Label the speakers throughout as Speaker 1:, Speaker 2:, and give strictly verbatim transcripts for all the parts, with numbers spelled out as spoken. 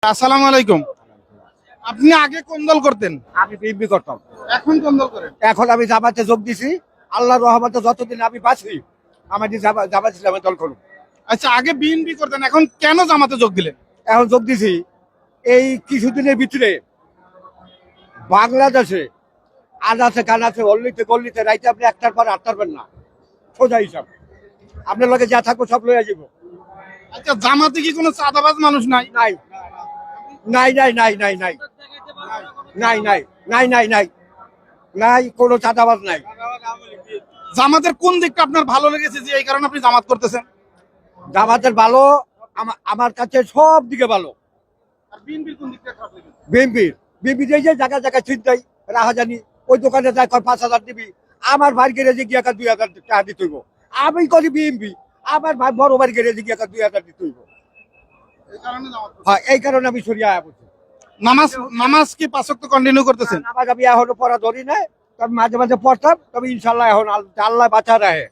Speaker 1: আসসালামু আলাইকুম। আপনি আগে কোন দল করতেন?
Speaker 2: আমি বিএনপি করতাম।
Speaker 1: এখন কোন দল করেন?
Speaker 2: এখন আমি জামাতে যোগ দিছি। আল্লাহর রহমতে যতদিন আমি বাঁচি আমি জামাত জামাত ইসলামের দল করব।
Speaker 1: আচ্ছা, আগে বিএনপি করতেন, এখন কেন জামাতে যোগ দিলেন?
Speaker 2: এখন যোগ দিছি এই কিছুদিনের ভিতরে বাংলাদেশে আজ আছে গান আছে অল্লিতে গল্লিতে রাইতে আপনি একটার পর আটটার পারবেন না, সোজা হিসাব। আপনার লগে যা থাকবো সব লইয়া যাব।
Speaker 1: আচ্ছা, জামাতে কি কোনো চাঁদাবাজ মানুষ নাই?
Speaker 2: নাই নাই নাই নাই নাই নাই নাই নাই নাই নাই নাই নাই কোনো চাঁদাবাজ নাই।
Speaker 1: জামাতের কোন দিকটা আপনার ভালো লেগেছে যে এই কারণে আপনি জামাত করতেছেন?
Speaker 2: জামাতের ভালো আমা- আমার কাছে সব দিকে ভালো।
Speaker 1: আর বিএনপির কোন দিকটা খারাপ লেগেছে?
Speaker 2: বিএনপির বিএনপি যে জায়গা জায়গায় চিন্তাই রাহাজানি ওই দোকানে যায় কয় পাঁচ হাজার দিবি, আমার ভাই গ্যারেজে গিয়ে দুই হাজার টাকা দিতে হইব। আমি করি বিএনপি, আমার ভাই বড় ভাই গ্যারেজে গিয়ে দুই হাজার দিতে হইব।
Speaker 1: এই কারণে জামাত করতেছেন।
Speaker 2: হ্যাঁ, এই কারণে আমি সরিয়ে আয়া বলছি।
Speaker 1: নামাজ নামাজ কি পাঁচ ওয়াক্ত কন্টিনিউ করতেছেন?
Speaker 2: নামাজ আমি এখনো পড়া ধরি নাই, তবে মাঝে মাঝে পড়তাম। তবে ইনশাল্লাহ এখন আল- আল্লাহ বাঁচা রাহে।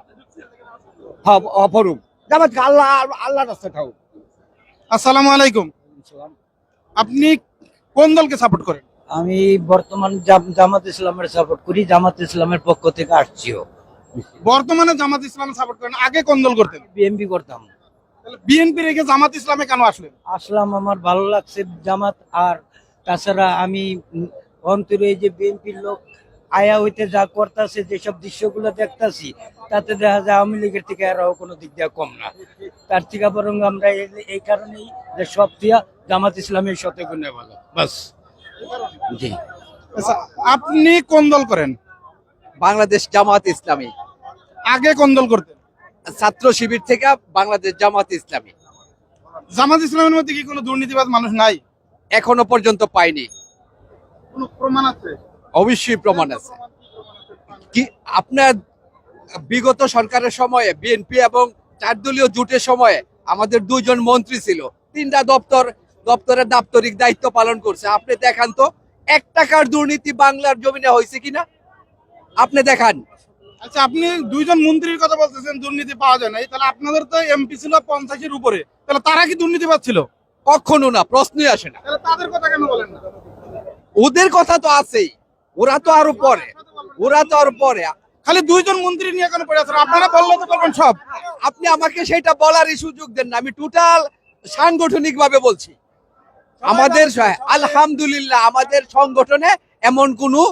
Speaker 2: হ্যাঁ, অপরূপ জামাত আল্লাহ আল্লাহ রাস্তা খাও।
Speaker 1: আসসালামু আলাইকুম। আপনি কোন দলকে সাপোর্ট করেন?
Speaker 3: আমি বর্তমান জাম- জামাত ইসলামের সাপোর্ট করি, জামাত ইসলামের পক্ষ থেকে আসছিও।
Speaker 1: বর্তমানে জামাত ইসলাম সাপোর্ট করেন, আগে কোন দল করতেন?
Speaker 3: বিএনপি করতাম।
Speaker 1: বিএনপি রেখে জামাত ইসলামে কেন আসলেন?
Speaker 3: আসলাম, আমার ভালো লাগছে জামাত। আর তাছাড়া আমি উম, অন্তরে এই যে বিএনপির লোক আয়া হইতে যা করতেছে, যেসব দৃশ্যগুলো দেখতাছি, তাতে দেখা যায় আওয়ামী লীগের থেকে আরও কোনো দিক দিয়ে কম না। তার থেকে বরং আমরা এই- এই কারণেই যে সব দিয়া জামাত ইসলামের শত গুণে ভালো, বাস। জি।
Speaker 1: আচ্ছা, আপনি কোন দল করেন?
Speaker 4: বাংলাদেশ জামাত ইসলামী।
Speaker 1: আগে কোন দল করতেন?
Speaker 4: ছাত্র শিবির থেকে বাংলাদেশ জামাত ইসলামী।
Speaker 1: জামাত ইসলামের মধ্যে কি কোনো দুর্নীতিবাজ মানুষ নাই?
Speaker 4: এখনো পর্যন্ত পাইনি।
Speaker 1: কোনো প্রমাণ আছে?
Speaker 4: অবশ্যই প্রমাণ আছে। কি আপনার বিগত সরকারের সময়ে বিএনপি এবং চার দলীয় জোটের সময়ে আমাদের দুইজন মন্ত্রী ছিল, তিনটা দপ্তর দপ্তরের দাপ্তরিক দায়িত্ব পালন করছে। আপনি দেখান তো এক টাকার দুর্নীতি বাংলার জমিনে হয়েছে কিনা, আপনি দেখান।
Speaker 1: আচ্ছা, আপনি দুইজন মন্ত্রীর কথা বলতেছেন দুর্নীতি পাওয়া যায় না, তাহলে আপনাদের তো এমপি ছিল পঞ্চাশের উপরে, তাহলে তারা কি দুর্নীতিবাজ ছিল?
Speaker 4: কখনো না, প্রশ্নই আসে না।
Speaker 1: তাহলে তাদের কথা কেন বলেন না?
Speaker 4: ওদের কথা তো আছেই, ওরা তো আরো পরে, ওরা তো আরো পরে।
Speaker 1: খালি দুইজন মন্ত্রী নিয়ে কেন পড়ে আছেন? আপনারা বললে তো বলবেন সব।
Speaker 4: আপনি আমাকে সেটা বলারই সুযোগ দেন না। আমি টোটাল সাংগঠনিক ভাবে বলছি। আমাদের স- আলহামদুলিল্লাহ আমাদের সংগঠনে এমন কোনো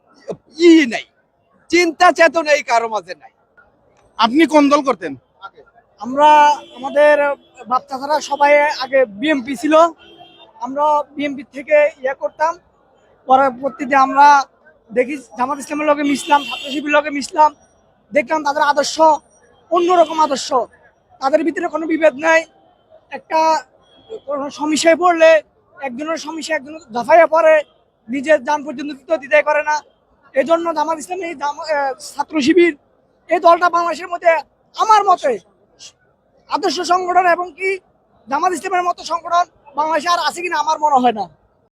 Speaker 4: ই নাই, চিন্তা চেতনা এই কারো মাঝে নাই।
Speaker 1: আপনি কোন দল করতেন?
Speaker 5: আমরা আমাদের বাচ্চারা সবাই আগে বিএমপি ছিল, আমরা বিএমপি থেকে ইয়ে করতাম। পরবর্তীতে আমরা দেখি জামাত ইসলামের লগে মিশলাম, ছাত্র শিবির লগে মিশলাম, দেখলাম তাদের আদর্শ অন্যরকম আদর্শ। তাদের ভিতরে কোনো বিভেদ নাই। একটা কোনো সমস্যায় পড়লে একজনের সমস্যা একজন দফাইয়া পড়ে, নিজের যান পর্যন্ত দিতেও দ্বিধাই করে না। এই জন্য জামাত ইসলামী জামা- আহ, ছাত্র শিবির এই দলটা বাংলাদেশের মধ্যে আমার মতে আদর্শ সংগঠন, এবং কি জামাত ইসলামের মতো সংগঠন বাংলাদেশে আর আছে কিনা আমার মনে হয় না।